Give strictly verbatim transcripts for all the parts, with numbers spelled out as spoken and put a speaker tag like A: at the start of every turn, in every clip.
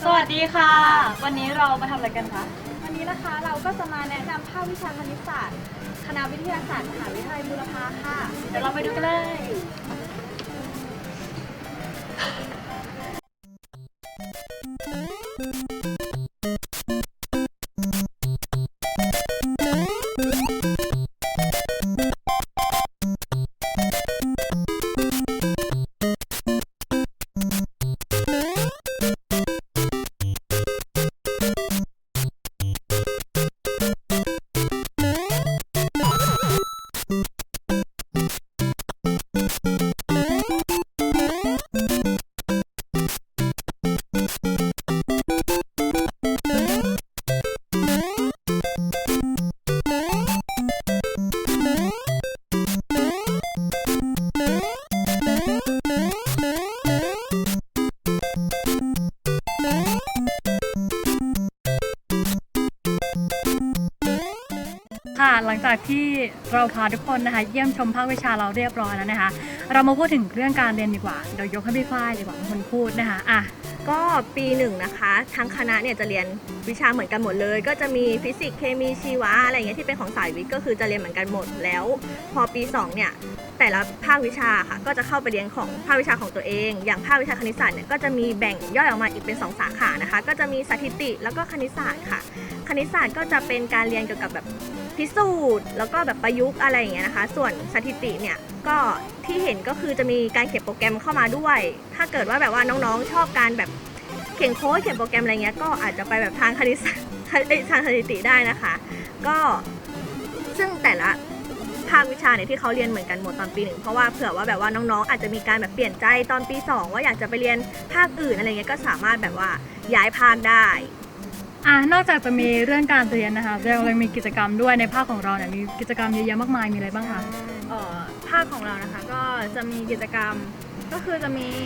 A: สวัสดีค่ะวันนี้เรามาทำอะไรกันคะ
B: วันนี้นะคะเราก็จะมาแนะนำภาควิชาคณิตศาสตร์คณะวิทยาศาสตร์มหาวิทยาลัยบูรพาค่ะ
A: เดี๋ยวเราไปดูกันเลยค่ะหลังจากที่เราพาทุกคนนะคะเยี่ยมชมภาควิชาเราเรียบร้อยแล้วนะคะเรามาพูดถึงเรื่องการเรียนดีกว่าเดี๋ยวยกให้พี่ฝ้ายดีกว่าเป็นคนพูดนะคะอ่ะ
C: ก็ปีหนึ่งนะคะทั้งคณะเนี่ยจะเรียนวิชาเหมือนกันหมดเลยก็จะมีฟิสิกส์เคมีชีวะอะไรอย่างเงี้ยที่เป็นของสายวิทย์ก็คือจะเรียนเหมือนกันหมดแล้วพอปีสองเนี่ยแต่ละภาควิชาค่ะก็จะเข้าไปเรียนของภาควิชาของตัวเองอย่างภาควิชาคณิตศาสตร์เนี่ยก็จะมีแบ่งย่อยออกมาอีกเป็นสองสาขานะคะก็จะมีสถิติแล้วก็คณิตศาสตร์ค่ะคณิตศาสตร์ก็จะเป็นการเรียนเกี่ยวกับแบบพิสูจน์แล้วก็แบบประยุกต์อะไรอย่างเงี้ยนะคะส่วนสถิติเนี่ยก็ที่เห็นก็คือจะมีการเขียนโปรแกรมเข้ามาด้วยถ้าเกิดว่าแบบว่าน้องๆชอบการแบบเขียนโค้ดเขียนโปรแกรมอะไรเงี้ยก็อาจจะไปแบบทางคณิตศาสตร์ทางสถิติได้นะคะก็ซึ่งแต่ละภาควิชาเนี่ยที่เขาเรียนเหมือนกันหมดตอนปีหนึ่งเพราะว่าเผื่อว่าแบบว่าน้องๆอาจจะมีการแบบเปลี่ยนใจตอนปีสองว่าอยากจะไปเรียนภาคอื่นอะไรเงี้ยก็สามารถแบบว่าย้ายภาคได้
A: อ่ะนอกจากจะมีเรื่องการเรียนนะคะเรายังมีกิจกรรมด้วยในภาคของเราเนี่ยมีกิจกรรมเยอะแยะมากมายมีอะไรบ้างคะ
B: เอ่อภาคของเรานะคะก็จะมีกิจกรรมก็คือจะมี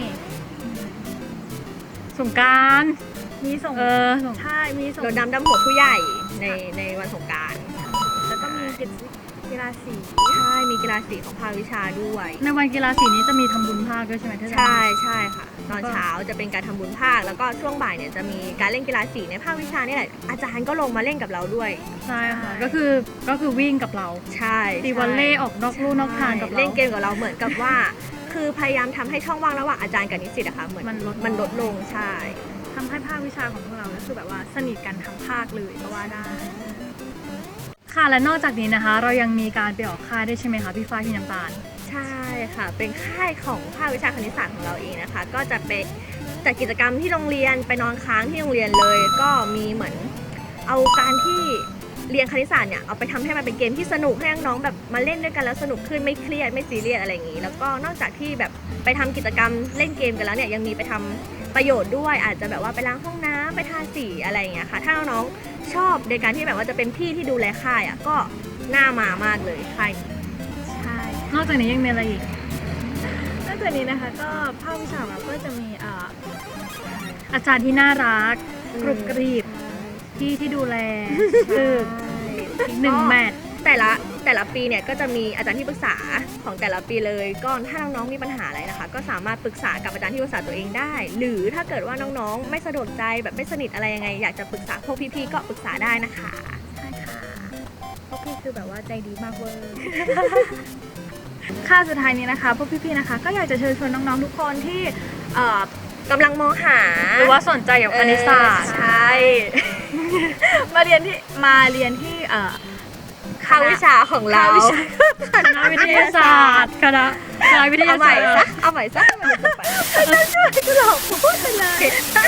A: สงกรานต์
B: มีส่ง
A: เออ
B: ใช่มีส่ง
C: รดน้ำดำหัวผู้ใหญ่ในในวันสงกรานต์
B: แล้วก็มีกิจกีฬาสี
C: ใช่มีกีฬาสีของภาควิชาด้วย
A: ในวันกีฬาสีนี้จะมีทำบุญภาคด้วยใช่ไหม
C: ใช่ใช่ค่ะตอนเช้าจะเป็นการทำบุญภาคแล้วก็ช่วงบ่ายเนี่ยจะมีการเล่นกีฬาสีในภาควิชานี่แหละอาจารย์ก็ลงมาเล่นกับเราด้วย
A: ใช่ค่ะก็คือก็คือวิ่งกับเรา
C: ใช่
A: ตีวอลเล่ออกนอกลู่นอกทางกับเรา
C: เล่นเกมกับเราเหมือนกับว่าคือพยายามทำให้ช่องว่างระหว่างอาจารย์กับนิสิตอะค่ะเหมือน
A: มันลด
C: มันลดลงใช่
B: ทำให้ภาควิชาของพวกเราก็คือแบบว่าสนิทกันทั้งภาคเลยก็ว่าได้
A: ค่ะและนอกจากนี้นะคะเรายังมีการไปออกค่ายด้วยใช่ไหมคะพี่ฝ้ายพี่น้ำตาล
C: ใช่ค่ะเป็นค่ายของภาควิชาคณิตศาสตร์ของเราเองนะคะก็จะไปจัดกิจกรรมที่โรงเรียนไปนอนค้างที่โรงเรียนเลยก็มีเหมือนเอาการที่เรียนคณิตศาสตร์เนี่ยเอาไปทำให้มันเป็นเกมที่สนุกให้น้องๆแบบมาเล่นด้วยกันแล้วสนุกขึ้นไม่เครียดไม่ซีเรียสอะไรอย่างนี้แล้วก็นอกจากที่แบบไปทำกิจกรรมเล่นเกมกันแล้วเนี่ยยังมีไปทำประโยชน์ด้วยอาจจะแบบว่าไปล้างห้องน้ำไปทาสีอะไรอย่างเงี้ยค่ะถ้าน้องๆชอบในการที่แบบว่าจะเป็นพี่ที่ดูแลค่ายอ่ะก็น่ามามากเลยค่ายนี้
B: ใช่
A: นอกจากนี้ยังมีอะไรอีก
B: นอกจากนี้นะคะก็ภาควิชาเราก็จะมีอ่า
A: อาจารย์ที่น่ารักกรุบกรีบพี่ที่ดูแลคืออีกหนึ่งแมท
C: แต่ละแต่ละปีเนี่ยก็จะมีอาจารย์ที่ปรึกษาของแต่ละปีเลยก็ถ้าน้องๆมีปัญหาอะไรนะคะก็สามารถปรึกษากับอาจารย์ที่ปรึกษาตัวเองได้หรือถ้าเกิดว่าน้องๆไม่สะดวกใจแบบไม่สนิทอะไรยังไงอยากจะปรึกษาพวกพี่ๆก็ปรึกษาได้นะคะ
B: ใช่ค่ะพวกพี่คือแบบว่าใจดีมากเวอร์
A: ค่าสุดท้ายนี้นะคะพวกพี่ๆนะคะก็อยากจะเชิญชวนน้องๆทุกคนที่เอ่
C: อกำลังมองหา
A: หรือว่าสนใจเกี่ยวกับคณิตศาสตร์
C: ใช่
B: มาเรียนที่มาเรียนที่เอ่อ
C: ภาควิชาของเรา
A: คณะวิทยาศาสตร์คณะคณะวิทยาศาสตร์
C: เอาใหม่ซะเอาใหม่ซะไป
B: ช่วยกูหลอกพูดเลย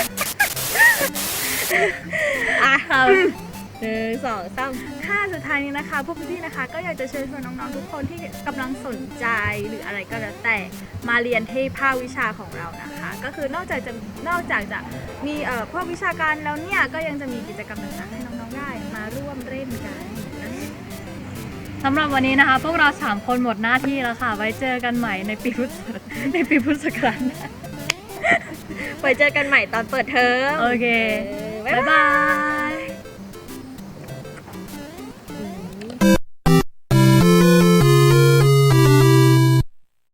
C: อ่ะหนึ่งสองสาม
B: ค่ะสุดท้ายนี้นะคะพวกพี่ๆนะคะก็อยากจะเชิญชวนน้องๆทุกคนที่กำลังสนใจหรืออะไรก็แล้วแต่มาเรียนที่ภาควิชาของเรานะคะก็คือนอกจากจะนอกจากจะมีเอ่อพวกวิชาการแล้วเนี่ยก็ยังจะมีกิจกรรมต่างๆให้น้องๆได้มาร่วมเล่นกัน
A: สำหรับวันนี้นะคะพวกเราสามคนหมดหน้าที่แล้วค่ะไว้เจอกันใหม่ในปีพุทธในปีพุทธศักราช
C: ไว้เจอกันใหม่ตอนเปิดเทอม
A: โอเคบ๊ายบาย